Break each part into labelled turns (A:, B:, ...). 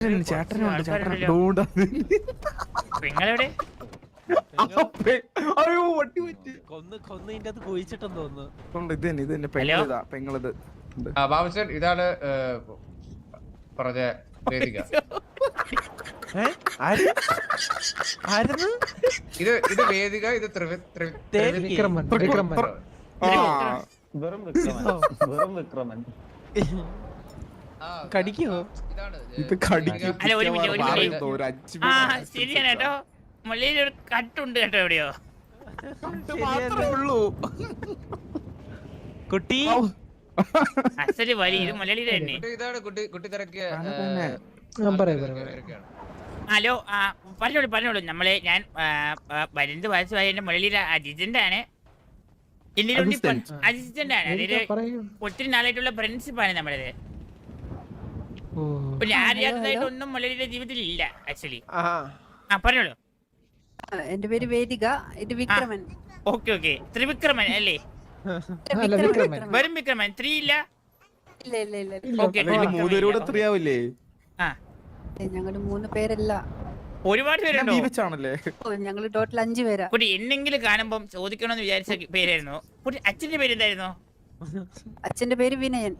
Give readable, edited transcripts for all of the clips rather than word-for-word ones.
A: ചേട്ടനുണ്ട് ചേട്ടൻ.
B: നിങ്ങളെവിടെ?
A: അയ്യോ വട്ടി പറ്റി.
C: കൊന്ന് ഇതിന്റെ അത് കുഴിച്ചിട്ടെന്ന് തോന്നുന്നു.
A: ഇത് തന്നെ പെങ്ങളിതാ പെങ്ങളിത്.
D: ബാബുസൻ ഇതാണ് പറഞ്ഞ വേദിക. ഇത് വേദിക, ഇത്
C: വിക്രമൻ.
E: വെറും വിക്രമൻ.
C: കടിക്കോ?
A: ഇത് കടിക്കും.
B: അല്ല ഒരു മിനിറ്റ്. ആ ശരിയാണ് കേട്ടോ. മുള്ളിയിൽ ഒരു കട്ടുണ്ട് കേട്ടോ എവിടെയോ.
A: മാത്രമേ ഉള്ളൂ
C: കുട്ടി.
B: അച്ഛന് വരി ഇത് മുലളിയുടെ തന്നെ.
D: ഇതാണ് കുട്ടി തിരക്കിയ.
B: ഹലോ പറഞ്ഞോളൂ. ഞാൻ 15 വയസ്സുമായി എന്റെ മുലളിയുടെ അസിസ്റ്റന്റ് ആണ്. അസിസ്റ്റന്റ് ആണ്. അതായത് ഒത്തിരി നാളായിട്ടുള്ള ഫ്രണ്ട്ഷിപ്പാണ് നമ്മളത്. ഞാൻ അറിയാത്തതായിട്ടൊന്നും മുലളിയുടെ ജീവിതത്തിൽ ഇല്ല ആക്ച്വലി. പറഞ്ഞോളൂ.
F: എന്റെ പേര് വേദിക, ഇത് വിക്രമൻ.
B: ഓക്കെ ത്രിവിക്രമൻ അല്ലേ? വെറും വിക്രമൻ 3 ഇല്ല?
A: മൂന്നുപേരൂടെ 3 ആവില്ലേ?
F: ഞങ്ങള് 3 പേരല്ല,
B: ഒരുപാട് പേരുണ്ടോ?
F: ഞങ്ങള് ടോട്ടൽ 5 പേരാ.
B: കുട്ടി എന്നെങ്കിലും കാണുമ്പോ ചോദിക്കണമെന്ന് വിചാരിച്ച പേരായിരുന്നു. കുട്ടി അച്ഛന്റെ പേര് എന്തായിരുന്നു?
F: അച്ഛന്റെ പേര് വിനയൻ.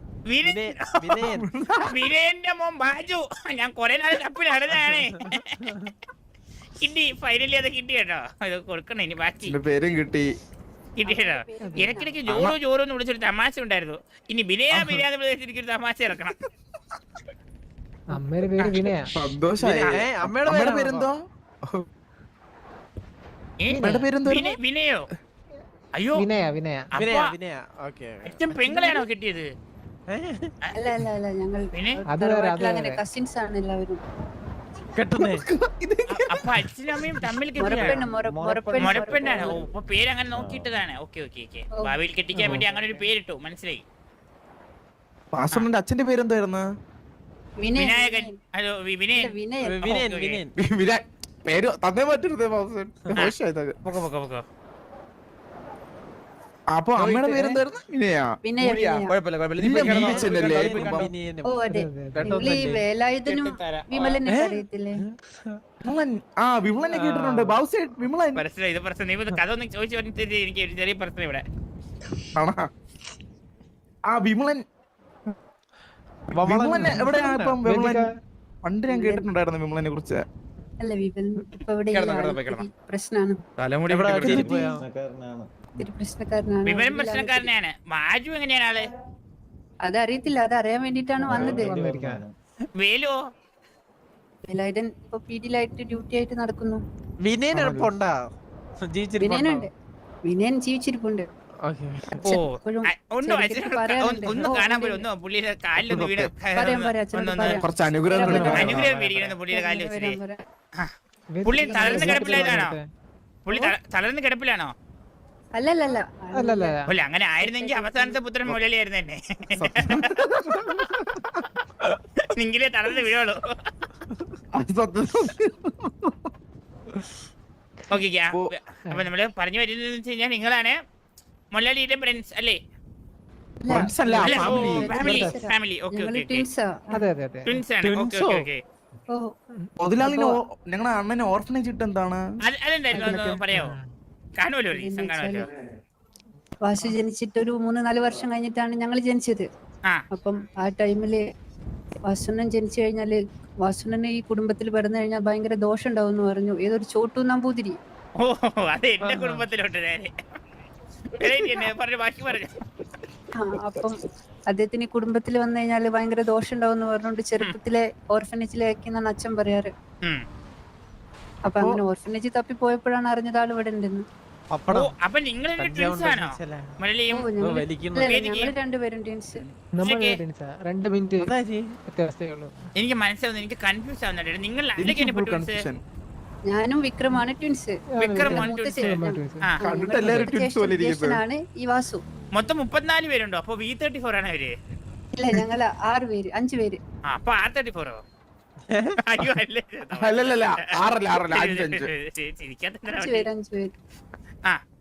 B: വിനയന്റെ മോൻ ബാജു. ഞാൻ കൊറേ നാൾ തപ്പി നടന്നതാണ്. കിട്ടി, ഫൈനലി അത് കിട്ടി കേട്ടോ. അത് കൊടുക്കണം ഇനി ബാക്കി.
A: പേരും കിട്ടി
B: കേട്ടോ. ഇടയ്ക്കിടയ്ക്ക് ജോറോ എന്ന് വിളിച്ചൊരു തമാശ ഉണ്ടായിരുന്നു. ഇനി ബിനയാന്ന് വിളിച്ചിട്ട് എനിക്കൊരു തമാശ ഇറക്കണം.
C: അമ്മയുടെ പേര് വിനയ.
A: സന്തോഷായി. അമ്മയുടെ പേരെന്തോ?
B: വിനയോ? അയ്യോ
C: വിനയ.
B: അച്ഛൻ പെങ്ങളെയാണോ കിട്ടിയത്?
F: അല്ല അല്ല അല്ല, ഞങ്ങൾ അങ്ങനെ കസിൻസ് ആണ് എല്ലാവരും.
B: അപ്പൊ അച്ഛനും അമ്മയും തമ്മിൽ മുറപ്പെണ്ണാണ്. അപ്പൊ പേര് അങ്ങനെ നോക്കിയിട്ടതാണ്. ഓക്കെ ഭാവിയിൽ കെട്ടിക്കാൻ വേണ്ടി അങ്ങനെ ഒരു പേരിട്ടു. മനസ്സിലായി.
A: വാസുണ്ണന്റെ അച്ഛന്റെ പേരെന്തായിരുന്നു?
B: വിനായകൻ. ഹലോ വിനയൻ.
A: പേര് തന്നേ പറ്റരുത്. അപ്പൊ അമ്മയുടെ പേരെന്തായിരുന്നു?
F: വേലായുധനും വിമലനെ അറിയത്തില്ലേ?
A: വിമലനെ കേട്ടിട്ടുണ്ട്. വിമലൻ
B: ഇത് പ്രശ്നം. നീ കഥ ഒന്ന് ചോദിച്ചു പറഞ്ഞിട്ട് എനിക്ക് ഒരു ചെറിയ പ്രശ്നം ഇവിടെ.
A: വിമലൻ എവിടെയാ ഇപ്പം? വിമലൻ പണ്ട് ഞാൻ കേട്ടിട്ടുണ്ടായിരുന്നു വിമലനെ കുറിച്ച്.
F: അല്ല വിമലൻ ഇപ്പൊ പ്രശ്നമാണ്.
B: വിവരം പ്രശ്നക്കാരനാണ്. മാജു എങ്ങനെയാണ് ആള്?
F: അതറിയത്തില്ല, അതറിയാൻ വേണ്ടിട്ടാണ് വന്നത്.
B: വേലോ?
F: വേലായുധൻ ഇപ്പൊ പീഡിയിലായിട്ട് ഡ്യൂട്ടി ആയിട്ട് നടക്കുന്നു.
C: വിനയനുണ്ട്.
F: വിനയൻ ജീവിച്ചിരിപ്പുണ്ട്.
B: ഒന്ന് കാണാൻ പോലും. ഒന്ന് പുള്ളിയുടെ കാലിലൊന്ന് വീട്
A: കുറച്ച് അനുഗ്രഹം
B: മേടിക്കണം പുള്ളിയുടെ കാലിൽ വെച്ചിട്ട്. പുള്ളി തളർന്ന് കിടപ്പിലാണോ? പുള്ളി തളർന്ന് കിടപ്പിലാണോ?
F: അല്ലല്ല,
B: അങ്ങനെ ആയിരുന്നെങ്കിൽ അവസാനത്തെ പുത്രൻ മുരളിയായിരുന്നു തന്നെ. നിങ്ങളെ തളർന്ന് വീഴുള്ളൂ. ഓക്കെ. അപ്പൊ നമ്മള് പറഞ്ഞു വരുന്നത് വെച്ച് കഴിഞ്ഞാൽ നിങ്ങളാണ് മുരളിയുടെ ഫ്രണ്ട്സ് അല്ലേ? ഫാമിലി.
A: ഞങ്ങളുടെ അണ്ണന് ഓർഫനേജ് ഇട്ട് എന്താണ്
B: അതെന്തായിരുന്നു പറയാമോ? കാണുമല്ലോ, റീസൺ കാണുമല്ലോ.
F: വാസു ജനിച്ചിട്ട് ഒരു 3-4 വർഷം കഴിഞ്ഞിട്ടാണ് ഞങ്ങൾ ജനിച്ചത്. അപ്പം ആ ടൈമില് വാസുണ്ണൻ ജനിച്ചു കഴിഞ്ഞാല് വാസുണ്ണന് ഈ കുടുംബത്തിൽ പിറന്നു കഴിഞ്ഞാൽ ഭയങ്കര ദോഷം ഉണ്ടാവും എന്ന് പറഞ്ഞു ഏതൊരു ചോട്ടു നമ്പൂതിരി.
B: ഓ അതെ, എന്റെ കുടുംബത്തിലോട്ട് പറഞ്ഞു.
F: അപ്പം അദ്ദേഹത്തിന് ഈ കുടുംബത്തിൽ വന്നു കഴിഞ്ഞാല് ഭയങ്കര ദോഷം ഉണ്ടാവും എന്ന് പറഞ്ഞുകൊണ്ട് ചെറുപ്പത്തിലെ ഓർഫനേജിലേക്കാണ് അച്ഛൻ പറയാറ്. അപ്പൊ അങ്ങനെ ഓർഫനേജ് തപ്പി പോയപ്പോഴാണ് അറിഞ്ഞത് ആൾ ഇവിടെ ഉണ്ടെന്ന്.
B: അപ്പൊ നിങ്ങൾ
F: രണ്ടുപേരും ട്വിൻസ്.
B: എനിക്ക് മനസ്സിലാവുന്നു, എനിക്ക് കൺഫ്യൂസ് ആവുന്നുണ്ട്. നിങ്ങൾ
F: ഞാനും വിക്രമാണ് ട്വിൻസ്. ാണ് ഈ വാസു.
B: മൊത്തം 34 പേരുണ്ടോ? അപ്പൊ V34 ആണ് അവര്?
F: ഇല്ല, ഞങ്ങള് 6 പേര് 5 പേര്.
B: അപ്പൊ R34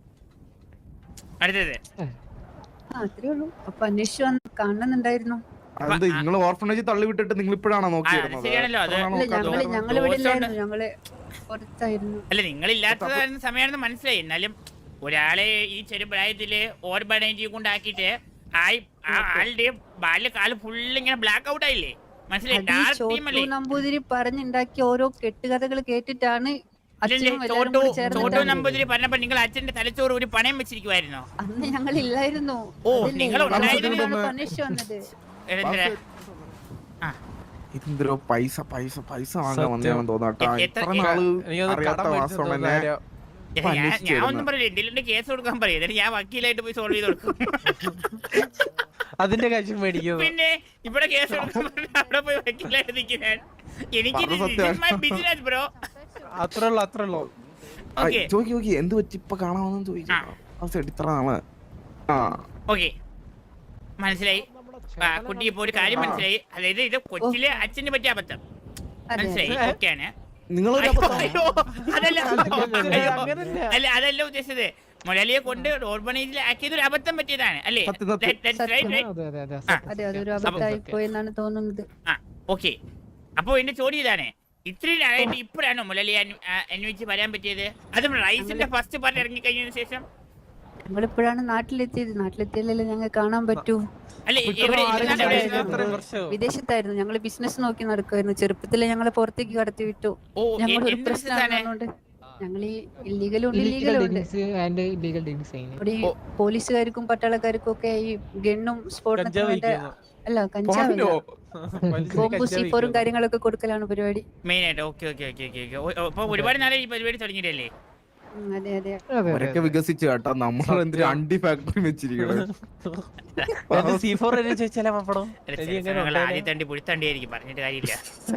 F: അത്രേ ഉള്ളൂ. അപ്പൊ അന്വേഷിച്ചു വന്ന് കാണുന്നുണ്ടായിരുന്നു.
A: അത് നിങ്ങൾ ഓർഫണേജ് തള്ളി വിട്ടിട്ട് നിങ്ങൾ ഇപ്പോഴാണോ നോക്കിയിരുന്നത്?
B: ശരിയാണല്ലോ അത്.
F: ഞങ്ങൾ ഇവിടെ ഇല്ലായിരുന്നു, ഞങ്ങള് പുറത്തായിരുന്നു.
B: അല്ല നിങ്ങളില്ലാത്ത സമയമാണെന്ന് മനസ്സിലായി. എന്നാലും ഒരാളെ ഈ ചെറുപ്രായത്തില് ഓർബണൈറ്റി കൊണ്ടാക്കിയിട്ട് ആളുടെ ബാല്യകാലം ഫുള്ള് ഇങ്ങനെ ബ്ലാക്ക് ഔട്ട് ആയില്ലേ? മനസ്സിലായി? ഡാർക്ക് ടീം അല്ലേ?
F: നമ്പൂതിരി പറഞ്ഞുണ്ടാക്കിയ ഓരോ കെട്ടുകഥകൾ കേട്ടിട്ടാണ് അച്ഛനും എല്ലാവരും കൂടി ചേർന്നിട്ട്
B: ചോട്ടു നമ്പൂതിരി പറഞ്ഞപ്പോ നിങ്ങൾ അച്ഛന്റെ തലച്ചോറ് ഒരു പണയം വെച്ചിരിക്കുവായിരുന്നോ?
F: അന്ന് ഞങ്ങൾ ഇല്ലായിരുന്നു.
B: ഓ, നിങ്ങൾ
F: അന്വേഷിച്ചു വന്നത്.
A: എന്തൊരു പൈസ പൈസ പൈസ വാങ്ങാൻ വന്നേന്ന് തോന്നാട്ടാ. ഇത്ര നാള് അറിയാത്ത വാസവണ്ണനെ
B: ഞാൻ ഒന്നും പറയില്ല. എന്തെങ്കിലും കേസ് കൊടുക്കാൻ പറയും, എന്നിട്ട് ഞാൻ വക്കീലായിട്ട് പോയി സോൾവ് ചെയ്ത് കൊടുക്കും.
C: അതിന്റെ കാര്യം മേടിക്കും.
B: പിന്നെ ഇവിടെ കേസ് കൊടുക്കാൻ അവിടെ പോയി വക്കീലായിട്ട് നിൽക്കാൻ എനിക്ക് ബിസിനസ് ബ്രോ.
C: അത്രേ ഉള്ളൂ.
A: ചോദിക്കി എന്ത് പറ്റി ഇപ്പൊ കാണാമെന്ന് ചോദിച്ചു. ഇത്ര നാള്
B: ഓക്കെ മനസ്സിലായി. കുട്ടി ഇപ്പൊ ഒരു കാര്യം മനസ്സിലായി. അതായത് ഇത് കൊച്ചിലെ അച്ഛന് പറ്റിയ അബദ്ധം മനസ്സിലായി. ഓക്കെയാണ്. അതല്ല ഉദ്ദേശിച്ചത്. മുരളിയെ കൊണ്ട് ഓർബണൈസിൽ ആക്കിയത് ഒരു അബദ്ധം പറ്റിയതാണ് അല്ലേ?
F: അതെ, അതൊരു അബദ്ധമായി പോയെന്നാണ് തോന്നുന്നത്.
B: ഓക്കെ, അപ്പൊ എന്റെ ചോദ്യം ഇതാണ്, ഇത്രയും നാളായിട്ട് ഇപ്പോഴാണോ മുരളിയെ അന്വേഷിച്ച് വരാൻ പറ്റിയത്? അതും റൈസിന്റെ ഫസ്റ്റ് പാർട്ട് ഇറങ്ങി കഴിഞ്ഞതിന് ശേഷം?
F: ഞങ്ങളിപ്പോഴാണ് നാട്ടിലെത്തിയത്. നാട്ടിലെത്തിയാലല്ലേ ഞങ്ങൾ കാണാൻ പറ്റൂ. വിദേശത്തായിരുന്നു, ഞങ്ങള് ബിസിനസ് നോക്കി നടക്കുമായിരുന്നു. ചെറുപ്പത്തിലെ ഞങ്ങളെ പുറത്തേക്ക് കടത്തി വിട്ടു. ഞങ്ങൾ ഒരു പ്രശ്നമാണ്. ഞങ്ങൾ ഈ ഇല്ലീഗലും ഉണ്ട് ഇല്ലീഗലും ഉണ്ട്. ഇവിടെ ഈ പോലീസുകാർക്കും പട്ടാളക്കാർക്കും ഒക്കെ ഈ ഗണ്ണും സ്ഫോടനത്തിന് വേണ്ട അല്ല കഞ്ചാവില്ല, ബോംബും C4 കാര്യങ്ങളൊക്കെ കൊടുക്കലാണ് പരിപാടി
B: മെയിൻ ആയിട്ട്. Okay okay okay okay. അപ്പൊ ഒരുപാട് നാളെ ഈ പരിപാടി തുടങ്ങിയിട്ടല്ലേ?
F: അതെ അതെ.
A: അവരൊക്കെ വികസിച്ചു കേട്ടോ. നമ്മൾ എന്തൊരു അണ്ടി ഫാക്ടറി വെച്ചിരിക്കണത്.
B: ആദ്യം തണ്ടി പുഴുത്തണ്ടിയായിരിക്കും, പറഞ്ഞിട്ട് കാര്യമില്ല.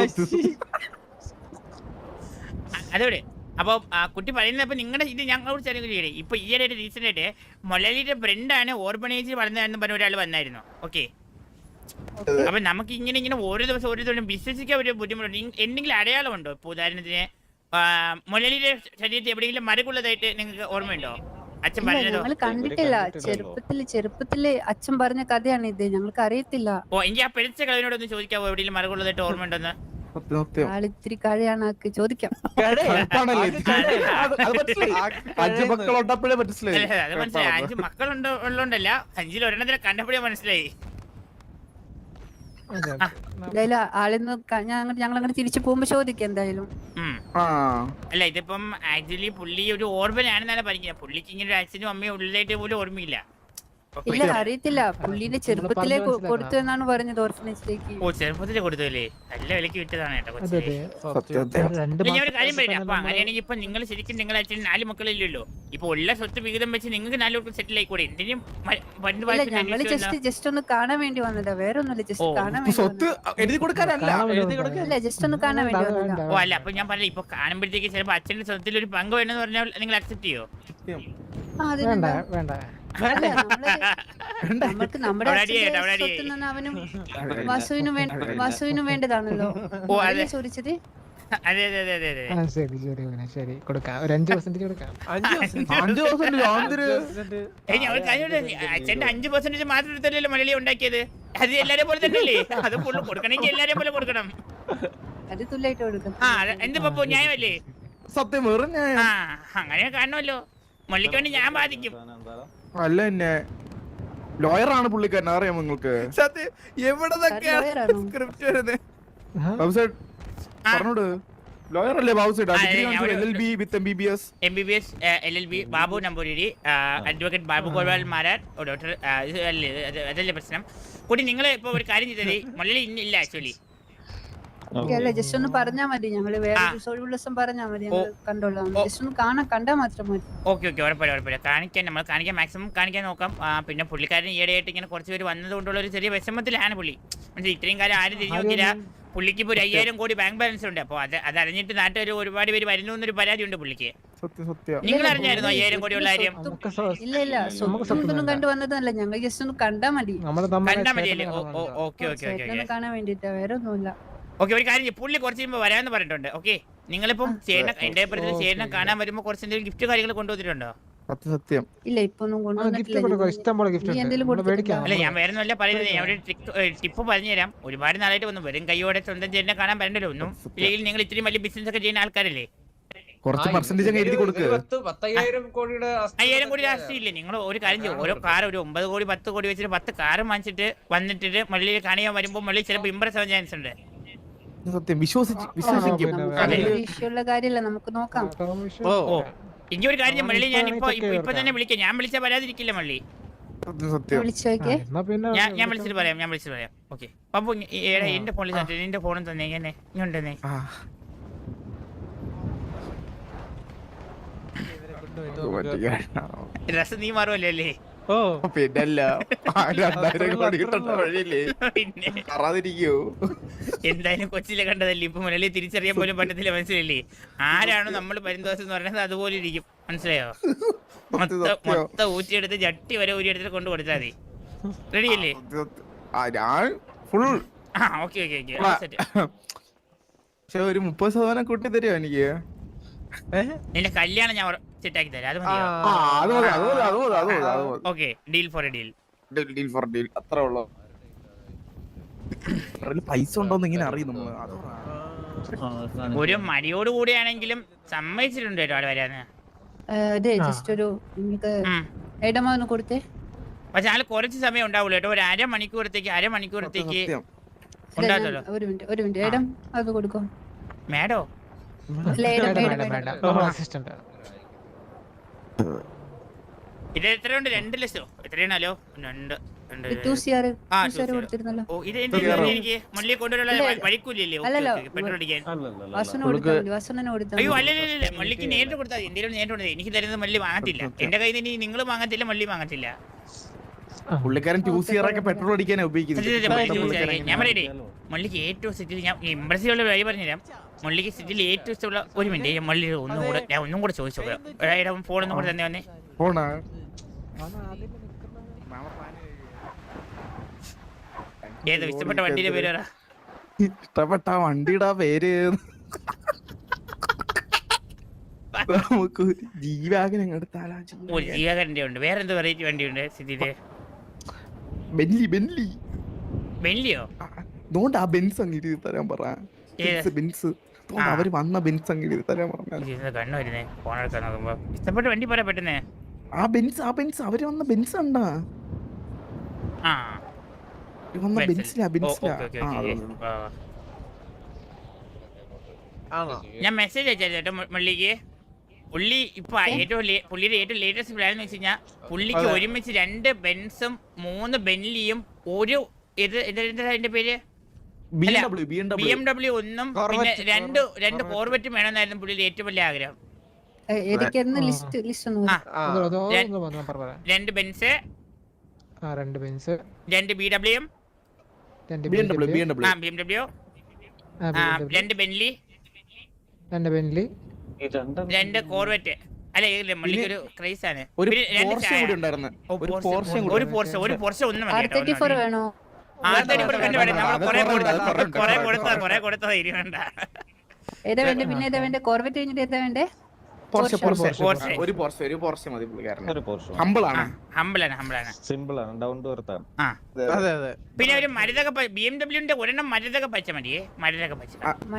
B: അതോടെ അപ്പൊ കുട്ടി പറയുന്നപ്പോ നിങ്ങളുടെ ഇത് ഞങ്ങളോട് ചെറിയ ഇപ്പൊ ഈയിടെ റീസെന്റ് ആയിട്ട് മൊലലിയുടെ ഫ്രണ്ടാണ് ഓർബണൈസ് വളർന്നതെന്ന് പറഞ്ഞ ഒരാൾ വന്നായിരുന്നു. ഓക്കെ, അപ്പൊ നമുക്ക് ഇങ്ങനെ ഓരോ ദിവസം വിശ്വസിക്കാൻ ഒരു ബുദ്ധിമുട്ടുണ്ട്. എന്തെങ്കിലും അടയാളമുണ്ടോ? ഇപ്പൊ ഉദാഹരണത്തിന് മൊലലിയുടെ ശരീരത്തിൽ എവിടെയെങ്കിലും മരകുള്ളതായിട്ട് നിങ്ങൾക്ക് ഓർമ്മയുണ്ടോ? അച്ഛൻ പറഞ്ഞതോ?
F: ഞങ്ങൾ കണ്ടിട്ടില്ല. ചെറുപ്പത്തില് അച്ഛൻ പറഞ്ഞ കഥയാണ് ഇത്, ഞങ്ങൾക്ക് അറിയത്തില്ല.
B: ഓ, എനിക്ക് ആ പെരിച്ച കളവിനോടൊന്ന് ചോദിക്കാവോ എവിടെയെങ്കിലും മരകുള്ളതായിട്ട് ഓർമ്മയുണ്ടോന്ന്?
F: ആളിത്തിരി കഴിയാണ്, ചോദിക്കാം.
B: അത് മനസ്സിലായി. 5 മക്കളുള്ളോണ്ടല്ല, 5-ൽ ഒരെണ്ണത്തിനെ കണ്ടപ്പോഴേ മനസ്സിലായി.
F: എന്തായാലും ആളിന്ന് ഞങ്ങൾ അങ്ങനെ തിരിച്ചു പോകുമ്പോ ചോദിക്കാം എന്തായാലും.
B: അല്ല ഇതിപ്പം ആക്ച്വലി പുള്ളി ഒരു ഓർമ്മനാണെന്നാണ് പറഞ്ഞത്. പുള്ളിക്ക് ഇങ്ങനെ ഒരു അച്ഛനും അമ്മയും ഉള്ളിലായിട്ട് പോലും ഓർമ്മയില്ല.
F: ഇല്ല, അറിയത്തില്ല. പുള്ളിന്റെ ചെറുപ്പത്തിലേ കൊടുത്തു എന്നാണ് പറഞ്ഞത് ഓർഫനേജിലേക്ക്.
B: ഓ, ചെറുപ്പത്തിലേ കൊടുത്തല്ലേ? നല്ല വിലക്ക് വിറ്റതാണ് കേട്ടോ. ഞാൻ ഒരു കാര്യം പറയാം. അപ്പൊ അങ്ങനെയാണെങ്കിൽ ഇപ്പൊ നിങ്ങൾ ശരിക്കും നിങ്ങളെ അച്ഛൻ 4 മക്കളില്ലല്ലോ. ഇപ്പൊ ഉള്ള സ്വത്ത് വിഹിതം വെച്ച് നിങ്ങൾക്ക് 4 പേർക്ക് സെറ്റിൽ ആയിക്കൂടെ? എന്തിനും
F: ഞങ്ങള് ജസ്റ്റ് ഒന്ന് കാണാൻ വേണ്ടി വന്നതാ, വേറെ ഒന്നുമില്ല. ജസ്റ്റ് കാണാൻ വേണ്ടി ജസ്റ്റ് ഒന്ന് കാണാൻ വേണ്ടി വന്നതാ.
B: ഓ അല്ല, അപ്പൊ ഞാൻ പറഞ്ഞില്ല, ഇപ്പൊ കാണുമ്പോഴത്തേക്ക് ചിലപ്പോ അച്ഛന്റെ സ്വത്തിൽ ഒരു പങ്ക് വേണമെന്ന് പറഞ്ഞാൽ നിങ്ങൾ അക്സെപ്റ്റ് ചെയ്യോ?
F: നമുക്ക് നമ്മുടെ അവനും വാസുവിനും വേണ്ടതാണല്ലോ ചോദിച്ചത്.
B: അതെ അതെ അതെ അതെ അതെ.
G: ശരി കൊടുക്കാം, ഒരു 5% കൊടുക്കാം.
B: അച്ഛന്റെ 5% മാത്രം എടുത്തല്ലോ മലയാളി ഉണ്ടാക്കിയത്. അത് എല്ലാരെ പോലെ തന്നെയല്ലേ? അത് ഫുള്ള് കൊടുക്കണമെങ്കിൽ എല്ലാരെ പോലെ കൊടുക്കണം.
F: അത് തുല്യായിട്ട് കൊടുക്കണം.
B: എന്ത് പപ്പു, ന്യായമല്ലേ?
A: സത്യം.
B: അങ്ങനെ കാണണമല്ലോ. മള്ളിക്ക് വേണ്ടി ഞാൻ ബാധിക്കും.
A: അല്ല എന്നെ ലോയറാണ് പുള്ളിക്കാരൻ, അറിയാമോ നിങ്ങൾക്ക്?
C: സത്യം. എവിടെന്നൊക്കെയാണ് സ്ക്രിപ്റ്റ് വരുന്നത്?
A: പറഞ്ഞോട്. ലോയർ അല്ലേ ബാബുസേട്ട്? LLB with MBBS
B: LLB Babu Namboori, advocate Babu Gopal Marar, doctor. അതല്ലേ പ്രശ്നം. കൂടി നിങ്ങൾ ഇപ്പൊ ഒരു കാര്യം ചെയ്തത് മലയാളി ഇല്ല ആക്ച്വലി.
F: ജസ്റ്റ് ഒന്ന് പറഞ്ഞാ മതി, ഞങ്ങള് വേറെ ദിവസം പറഞ്ഞാ മതി, ഞങ്ങൾ കണ്ടോളാം. ജസ്റ്റ് ഒന്ന് കണ്ടാ മാത്രം മതി.
B: ഓക്കെ ഓക്കെ, ഉറപ്പില്ല. നമ്മൾ കാണിക്കാൻ മാക്സിമം കാണിക്കാൻ നോക്കാം. പിന്നെ പുള്ളിക്കാരൻ ഈയിടെയായിട്ട് ഇങ്ങനെ കുറച്ച് പേര് വന്നത് കൊണ്ടുള്ള ഒരു ചെറിയ വിഷമത്തിലാണ് പുള്ളി. മനസ്സിലായി? ഇത്രയും കാലം ആരും തിരിഞ്ഞു നോക്കില്ല. പുള്ളിക്ക് ഇപ്പൊ 5,000 കോടി ബാങ്ക് ബാലൻസ് ഉണ്ട്. അപ്പൊ അത് അറിഞ്ഞിട്ട് നാട്ടുകാർ ഒരുപാട് പേര് വരുന്നു എന്നൊരു പരാതി ഉണ്ട് പുള്ളിക്ക്. നിങ്ങൾ അറിഞ്ഞായിരുന്നു 5,000 കോടി ഉള്ള കാര്യം?
F: ഇല്ല, സ്വന്തം കണ്ടു വന്നതല്ല, ഞങ്ങൾ ജസ്റ്റ് ഒന്ന് കണ്ടാ മതി.
B: മതിയല്ലേ? ഓക്കെ ഓക്കെ ഓക്കെ,
F: കാണാൻ വേണ്ടിട്ടാ, വേറെ ഒന്നുമില്ല.
B: ഓക്കെ, ഒരു കാര്യം, പുള്ളി കുറച്ച് കഴിയുമ്പോൾ വരാമെന്ന് പറഞ്ഞിട്ടുണ്ട്. ഓക്കെ, നിങ്ങളിപ്പം ചേട്ടൻ എന്റെ അഭിപ്രായത്തിൽ ചേട്ടനെ കാണാൻ വരുമ്പോൾ കുറച്ച് എന്തെങ്കിലും ഗിഫ്റ്റ് കാര്യങ്ങൾ കൊണ്ടുവന്നിട്ടുണ്ടോ?
A: സത്യം.
F: ഇല്ല ഇപ്പൊ ഒന്നും
G: ഗിഫ്റ്റ്
F: കൊണ്ടുവന്നിട്ടില്ല
G: കൊടുക്കാം, ഇഷ്ടം പോലെ ഗിഫ്റ്റ്
F: നീ
G: ഉണ്ട്,
F: എന്തെങ്കിലും
G: നമ്മള് മേടിക്കാം.
B: അല്ല ഞാൻ വേറെ ഒന്നുമല്ല പറയുന്നത്, ഞാൻ ഒരു ടിപ്പ് പറഞ്ഞുതരാം. ഒരുപാട് നാളായിട്ട് വന്നു വെറും കൈയോടെ സ്വന്തം ചേട്ടനെ കാണാൻ പറ്റണ്ടല്ലോ ഒന്നും. ഇല്ലെങ്കിൽ നിങ്ങൾ ഇത്രയും വലിയ ബിസിനസ് ഒക്കെ ചെയ്യുന്ന ആൾക്കാരല്ലേ,
A: കുറച്ച് പെർസെന്റേജ് അങ്ങ് എഴുതി കൊടുക്കുക.
D: 10,000 കോടിയുടെ
B: 5000 കോടി രാഷ്ട്രീയമില്ലേ? നിങ്ങൾ ഒരു കാര്യം ചെയ്യും, ഓരോ കാർ ഒരു 9 കോടി 10 കോടി വെച്ചിട്ട് 10 കാർ വാങ്ങിച്ചിട്ട് വന്നിട്ട് മള്ളിയിൽ കാണിയാൻ വരുമ്പോൾ മള്ളി ചിലപ്പോൾ ഇമ്പ്രസ് ആവാൻ ചാൻസ് ഉണ്ട്.
A: സത്യം വിശ്വസിക്കും.
F: വിഷയമുള്ള കാര്യമല്ല, നമുക്ക് നോക്കാം.
B: ഓ ഇനി ഒരു കാര്യം മള്ളി, ഞാൻ ഇപ്പൊ തന്നെ വിളിക്കാം. ഞാൻ വിളിച്ചാൽ വരാതിരിക്കില്ല മള്ളി.
A: സത്യം.
F: വിളിച്ചു നോക്കിയേ.
G: എന്നാ പിന്നെ
B: ഞാൻ വിളിച്ചിട്ട് പറയാം. ഓക്കെ പപ്പു എന്റെ ഫോണിൽ നിന്റെ ഫോണും തന്നെ ഇങ്ങനെ ഇങ്ങോട്ടേ. രസം നീ മാറുമല്ലോ അല്ലേ?
C: ഓ
A: പിന്നല്ല 2000 കോടി കിട്ടേണ്ട വഴിയില്ലേ,
B: പിന്നെ
A: അറിയാതിരിക്കോ?
B: എന്തായാലും കൊച്ചിലെ കണ്ടതല്ലേ, ഇപ്പൊ മുരളി തിരിച്ചറിയാൻ പോലും പറ്റത്തില്ല. മനസ്സിലല്ലേ? ആരാണോ നമ്മൾ പരിന്തോഷം എന്ന് പറയുന്നത് അതുപോലെ ഇരിക്കും. മനസ്സിലായോ? മൊത്തം ഊറ്റിയെടുത്ത് ജട്ടി വരെ ഊരിയെടുത്തിട്ട് കൊണ്ട് കൊടുത്താൽ മതി. റെഡിയല്ലേ?
A: ഫുൾ.
B: ഓക്കെ
A: പക്ഷെ ഒരു 30% കൂട്ടി തരുമോ എനിക്ക്?
B: നിന്റെ കല്യാണം ഞാൻ സെറ്റാക്കി തരാം. അത് മതിയോ? Okay deal for a deal.
A: അത്ര ഉള്ളു. പൈസ ഉണ്ടോന്ന് ഇങ്ങനെ അറിയും നമ്മള്.
B: ഒരു മടിയോട് കൂടിയാണെങ്കിലും സമ്മതിച്ചിട്ടുണ്ട് കേട്ടോ ആള് വരാന്ന്.
F: അതെ ജസ്റ്റ് ഒരു നിങ്ങൾക്ക് ഇടമാന്ന് കൊടുത്തേ.
B: പക്ഷെ ആള് കുറച്ച് സമയം ഉണ്ടാവുള്ളൂ കേട്ടോ, ഒരു അരമണിക്കൂറത്തേക്ക് ഉണ്ടാകല്ലോ.
F: ഒരു മിനിറ്റ് ഇടം അത് കൊടുക്കോ
B: മേഡോ.
G: അസിസ്റ്റന്റ്
B: ഇത് എത്രയുണ്ട്? 2 ലക്ഷോ എത്രയാണല്ലോ? 2
F: കൊടുത്തിരുന്നല്ലോ.
B: ഓ ഇത് എനിക്ക് മള്ളി കൊണ്ടുവരാനുള്ള വഴിക്കൂലല്ലേ പെട്രോൾ അടിക്കാൻ? അയ്യോ അല്ലല്ല മള്ളിക്ക് നേരിട്ട് കൊടുത്താൽ മതി. എന്തെങ്കിലും നേരിട്ട് കൊടുത്താൽ എനിക്ക് തരുന്നത് മള്ളി വാങ്ങത്തില്ല. എന്റെ കയ്യിൽ നിന്ന് നിങ്ങൾ വാങ്ങത്തില്ല, മള്ളി വാങ്ങത്തില്ല.
A: പുള്ളിക്കാരൻ 2CR ഒക്കെ പെട്രോൾ അടിക്കാനാ ഉപയോഗിക്കുന്നത്.
B: ഞാൻ പറയട്ടെ, മള്ളിക്ക് ഏറ്റവും സിറ്റിയിൽ ഞാൻ ഇമ്പ്രസീവുള്ള വഴി പറഞ്ഞുതരാം. മള്ളിക്ക് സിറ്റിയിൽ ഏറ്റവും ഇഷ്ടമുള്ള ഒരു മിനിറ്റ് മള്ളി ഒന്നും കൂടെ ചോദിച്ചു ഫോൺ ഒന്നും കൂടെ തന്നെ വന്നേ.
A: ഫോണാ
B: ഏതോ ഇഷ്ടപ്പെട്ട വണ്ടിയുടെ പേര് പറ.
A: ഇഷ്ടപ്പെട്ട വണ്ടിയുടെ പേര് നമുക്ക് ജീവാഗൻ എടുത്താലോ?
B: ജീവാഗന്റെ ഉണ്ട്. വേറെ എന്ത് വെറൈറ്റി വണ്ടിയുണ്ട് സിറ്റിയില്? ബെന്ലിയോ?
A: അതുകൊണ്ട് ആ ബെൻസ് അങ്ങ് തരാൻ പറ. അവര് വന്ന ബെൻസ് അങ്ങ് തരാൻ പറഞ്ഞു.
B: കണ്ണു വരുന്നേ ഫോൺ എടുക്കാൻ നോക്കുമ്പോ. ഇഷ്ടപ്പെട്ട വണ്ടി പറയാ പെട്ടെന്ന്.
A: ആ ബെൻസ് അവര് വന്ന ബെൻസ് ഉണ്ടാ
B: ഞാൻ മെസ്സേജ് അയച്ചായിരുന്നു കേട്ടോ മള്ളിക്ക്. പുള്ളി ഇപ്പൊ പുള്ളിയുടെ ഏറ്റവും ലേറ്റസ്റ്റ് പ്ലാൻ എന്ന് വെച്ച് കഴിഞ്ഞാൽ പുള്ളിക്ക് ഒരുമിച്ച് 2 ബെൻസും 3 ബെൻലിയും ഒരു അതിന്റെ പേര് BMW 1 പിന്നെ 2 കോർവെറ്റും വേണമെന്നായിരുന്നു പുള്ളിയുടെ ഏറ്റവും വലിയ ആഗ്രഹം.
F: 2
B: ബെൻസ്, 2 BMW, 2 ബെൻലി, 2 കോർവെറ്റ്. അല്ല മള്ളിക്കൊരു ക്രൈസ് ആണ്. ഒരു പോർഷെ ഒന്നും
F: വേണോ?
B: കൊറേ കൊടുത്തതാ ഇരുവണ്ട.
F: ഏതാ വേണ്ടേ? പിന്നെ ഏതാ വേണ്ടേ? കോർവെറ്റ് കഴിഞ്ഞിട്ട് ഏതാ വേണ്ടേ?
B: പിന്നെ ഒരു മരുതക BMW ഒരെണ്ണം മരുതക പച്ച മതിയേ. മരുതക പച്ച.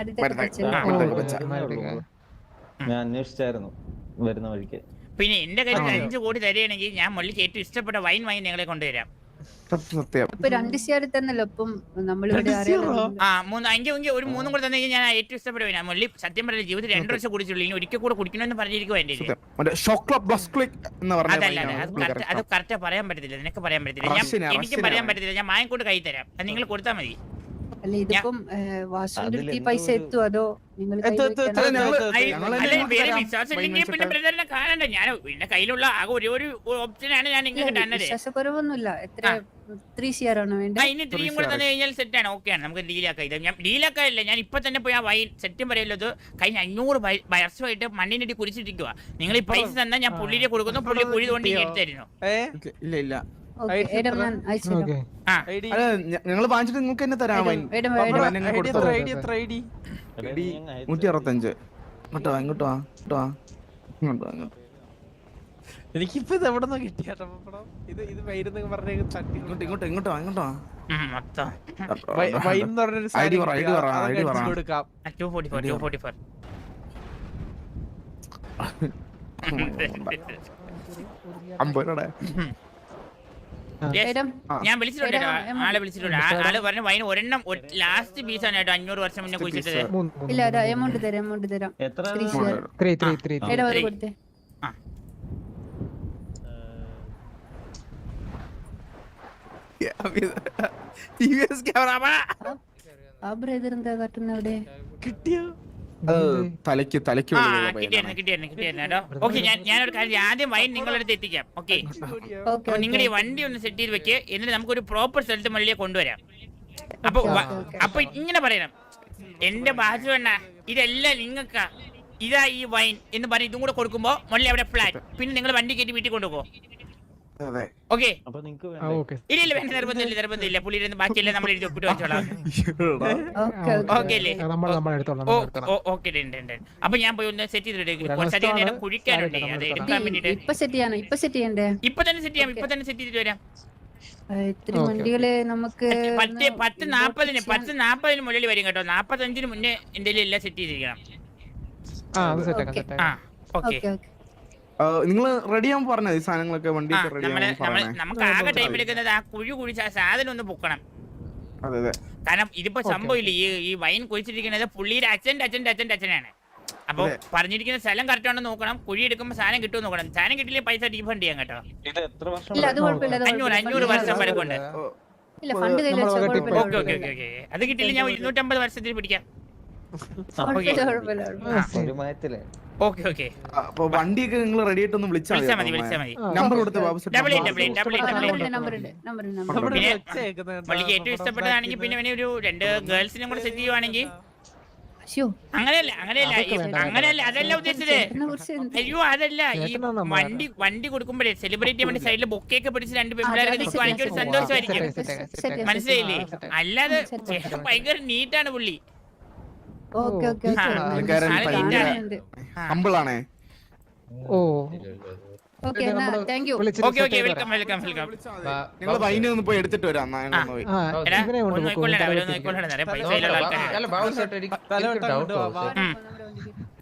E: ഞാൻ അന്വേഷിച്ചായിരുന്നു വരുന്ന വഴിക്ക്.
B: പിന്നെ എന്റെ കയ്യിൽ 5 കോടി തരികയാണെങ്കിൽ ഞാൻ മള്ളിക്ക് ഏറ്റവും ഇഷ്ടപ്പെട്ട വൈൻ വാങ്ങി നിങ്ങളെ കൊണ്ടുവരാം.
F: ഇപ്പൊ 2 CR തന്നല്ലോ. ഇപ്പം നമ്മളിവിടെ
B: ഒരു 3 കൂടെ തന്നെ ഞാൻ ഏറ്റവും ഇഷ്ടപ്പെടുക. മള്ളി സത്യം പറഞ്ഞ ജീവിതത്തിൽ 2 വർഷം കുടിച്ചുള്ളൂ. ഇനി ഒരിക്കൽ കൂടെ കുടിക്കണമെന്ന് പറഞ്ഞിരിക്കും എന്റെ. അതല്ല അത് കറക്റ്റ് പറയാൻ പറ്റത്തില്ല, നിനക്ക് പറയാൻ പറ്റത്തില്ല, എനിക്ക് പറയാൻ പറ്റത്തില്ല. ഞാൻ മായക്കൊണ്ട് കൈ തരാം, അത് നിങ്ങൾ കൊടുത്താൽ മതി.
F: അല്ല ഇതിപ്പം വാസുവിന്റെ പൈസ എത്തും അതോ നിങ്ങൾ
B: പിന്നെ ബ്രദറിനെ കാണണ്ട. ഞാൻ എന്റെ കയ്യിലുള്ള ആകെ ഒരു ഓപ്ഷനാണ് ഞാൻ നിങ്ങൾക്ക് തന്നത്.
F: വിശ്വാസക്കുറവൊന്നുമില്ല. എത്ര 3 CR ആണോ വേണ്ടത്?
B: ഇനി 3 കൂടെ തന്നെ കഴിഞ്ഞാൽ സെറ്റ് ആണ്. ഓക്കെ ആണ്, നമുക്ക് ഡീലാക്കാം. ഇത് ഞാൻ ഡീലാക്കാനില്ല, ഞാൻ ഇപ്പൊ തന്നെ പോയി ആ വൈൻ സെറ്റും പറയല്ലോ. കഴിഞ്ഞ 500 വർഷമായിട്ട് മണ്ണിനിട്ട് കുരിച്ചിട്ടിരിക്കുക. നിങ്ങൾ ഈ പൈസ തന്നാൽ ഞാൻ പുള്ളിയെ കൊടുക്കുന്നു, പുള്ളി കുഴി കൊണ്ട് എടുത്തായിരുന്നു.
A: ഇല്ല
F: ഞങ്ങൾ
A: വാങ്ങിച്ചിട്ട് നിങ്ങൾക്ക് തന്നെ തരാം. 165 ഇങ്ങോട്ടോ.
C: എനിക്കിപ്പോ ഇത് എവിടെ നിന്ന് കിട്ടിയാട്ടോ പപ്പടം? ഇത് വൈരുന്ന് പറഞ്ഞ തട്ടി
A: ഇങ്ങോട്ടോ
B: മൊത്തം
C: വൈൻ എന്ന് പറഞ്ഞൊരു
A: ID പറ, ID പറ, ID പറ.
C: കൊടുക്കാം.
B: 244.
A: അമ്പരടെ
B: Yes.
F: ഏരം
B: ഞാൻ വിളിച്ചിട്ടുണ്ട് ആളെ വിളിച്ചിട്ടുണ്ട് ആള് പറഞ്ഞ വൈൻ ഒരെണ്ണം ലാസ്റ്റ് പീസാണ് കേട്ടോ 500 വർഷം മുന്നേ കുഴിച്ചിട്ടത്.
F: ഇല്ല ഒരു എമൗണ്ട് തരാം
E: എത്ര
F: 3 share.
G: 3
F: ഏടാ ഒരു കൊടുത്തേ
C: TVS ക്യാമറ
F: ആ ബ്രദർ എന്താ കാട്ടുന്ന അവിടെ
C: കിട്ടിയോ?
A: തലയ്ക്ക്
B: കിട്ടിയായിരുന്നു കേട്ടോ. ഓക്കെ ഞാനൊരു കാര്യം ആദ്യം വൈൻ നിങ്ങളുടെ അടുത്ത് എത്തിക്കാം. ഓക്കെ
F: ഓക്കെ
B: നിങ്ങളുടെ ഈ വണ്ടി ഒന്ന് സെറ്റ് ചെയ്ത് വെക്ക്, എന്നിട്ട് നമുക്കൊരു പ്രോപ്പർ സ്ഥലത്ത് മള്ളിയെ കൊണ്ടുവരാം. അപ്പൊ ഇങ്ങനെ പറയണം, എന്റെ ബാജു എണ്ണ ഇതെല്ലാം നിങ്ങൾക്കാ, ഇതാ ഈ വൈൻ എന്ന് പറഞ്ഞ് ഇതും കൂടെ കൊടുക്കുമ്പോ മള്ളി അവിടെ ഫ്ലാറ്റ്, പിന്നെ നിങ്ങൾ വണ്ടി കയറ്റി വീട്ടിൽ കൊണ്ടുപോകും. ഓക്കെ
E: അപ്പൊ നിങ്ങക്ക്
G: ഓക്കെ
B: ഇല്ല വേണ്ട, നിർബന്ധമില്ല. പുള്ളിയിരുന്ന് ബാക്കിയല്ലേ നമ്മൾ എഴുതി ഒപ്പിട്ട് വെച്ചോളാം. ഓക്കെ അല്ലേ?
G: നമ്മൾ എടുത്തോളാം
B: ഓക്കെ. അപ്പൊ ഞാൻ പോയി ഒന്ന് സെറ്റ് ചെയ്തിട്ട് കുറച്ചധികം നേരം കുഴിക്കാനുണ്ട്, അത് എടുക്കാൻ വേണ്ടിട്ട്.
F: ഇപ്പൊ സെറ്റ് ചെയ്യണ്ടേ?
B: ഇപ്പൊ തന്നെ സെറ്റ് ചെയ്യാം, ഇപ്പൊ തന്നെ സെറ്റ് ചെയ്തിട്ട് വരാം.
F: ഇത്തിരി വണ്ടികള് നമുക്ക്
B: 10:40 മുകളിൽ വരും കേട്ടോ. 45 മുന്നേ എന്തെങ്കിലും എല്ലാം സെറ്റ് ചെയ്തിരിക്കണം.
G: ആ അത് സെറ്റ്
B: ആ ഓക്കെ.
F: ഓക്കെ
A: നിങ്ങൾ റെഡി ആവാൻ പറഞ്ഞത് ഈ സാധനങ്ങളൊക്കെ വണ്ടി റെഡി
B: നമുക്ക് ആകെ ടൈം എടുക്കുന്നത് ആ കുഴി കുഴിച്ച് ആ സാധനം ഒന്ന് പൊക്കണം.
A: അതെ
B: കാരണം ഇതിപ്പോ സംഭവമില്ല, ഈ വൈൻ കുഴിച്ചിരിക്കുന്നത് പുള്ളിയുടെ അച്ഛനാണ്. അപ്പൊ പറഞ്ഞിരിക്കുന്ന സ്ഥലം കറക്റ്റ് ആണെന്ന് നോക്കണം. കുഴി എടുക്കുമ്പോൾ സാധനം കിട്ടുമെന്ന് നോക്കണം. സാധനം കിട്ടില്ലേ പൈസ റീഫണ്ട് ചെയ്യാം കേട്ടോ.
E: ഇത് എത്ര വർഷം
F: ഇല്ല അത് കുഴപ്പമില്ല
B: 500 വർഷം വരെ കൊണ്ട്.
F: ഇല്ല ഫണ്ട് കയ്യിൽ വെച്ചാൽ കുഴപ്പമില്ല
B: ഓക്കെ. അത് കിട്ടില്ല ഞാൻ 250 വർഷത്തിൽ പിടിക്കാം.
E: ഒരു മായത്തില്ലേ?
B: ഓക്കെ.
A: അപ്പൊ വണ്ടിയൊക്കെ നിങ്ങൾ റെഡി ആയിട്ട് ഒന്ന് വിളിച്ചാൽ
B: മതി.
A: നമ്പർ കൊടുത്ത് ബാബു
F: നമ്പർ
B: പിന്നെ മള്ളിക്ക് ഏറ്റവും ഇഷ്ടപ്പെട്ടതാണെങ്കിൽ പിന്നെ ഒരു 2 ഗേൾസിനും കൂടെ സെറ്റ് ചെയ്യുവാണെങ്കിൽ അങ്ങനെയല്ല അതല്ല ഉദ്ദേശിച്ചത്. അയ്യോ അതല്ല, ഈ വണ്ടി കൊടുക്കുമ്പോഴേ സെലിബ്രേറ്റ് വേണ്ടി സൈഡിൽ ബൊക്കെയൊക്കെ പിടിച്ച് 2 പെൺപിള്ളേരൊക്കെ നിൽക്കുവാണെങ്കിൽ ഒരു സന്തോഷമായിരിക്കും, മനസ്സിലായില്ലേ? അല്ലാതെ ഭയങ്കര നീറ്റാണ് പുള്ളി.
A: ഹമ്പിളാണേ.
G: Oh
B: okay welcome.
A: നിങ്ങൾ വൈനെ ഒന്ന് പോയി എടുത്തിട്ട് വരാം.
B: പൈസ
D: അല്ല ബാബു ചേട്ടാ എനിക്ക് ഒരു ഡൗട്ട്.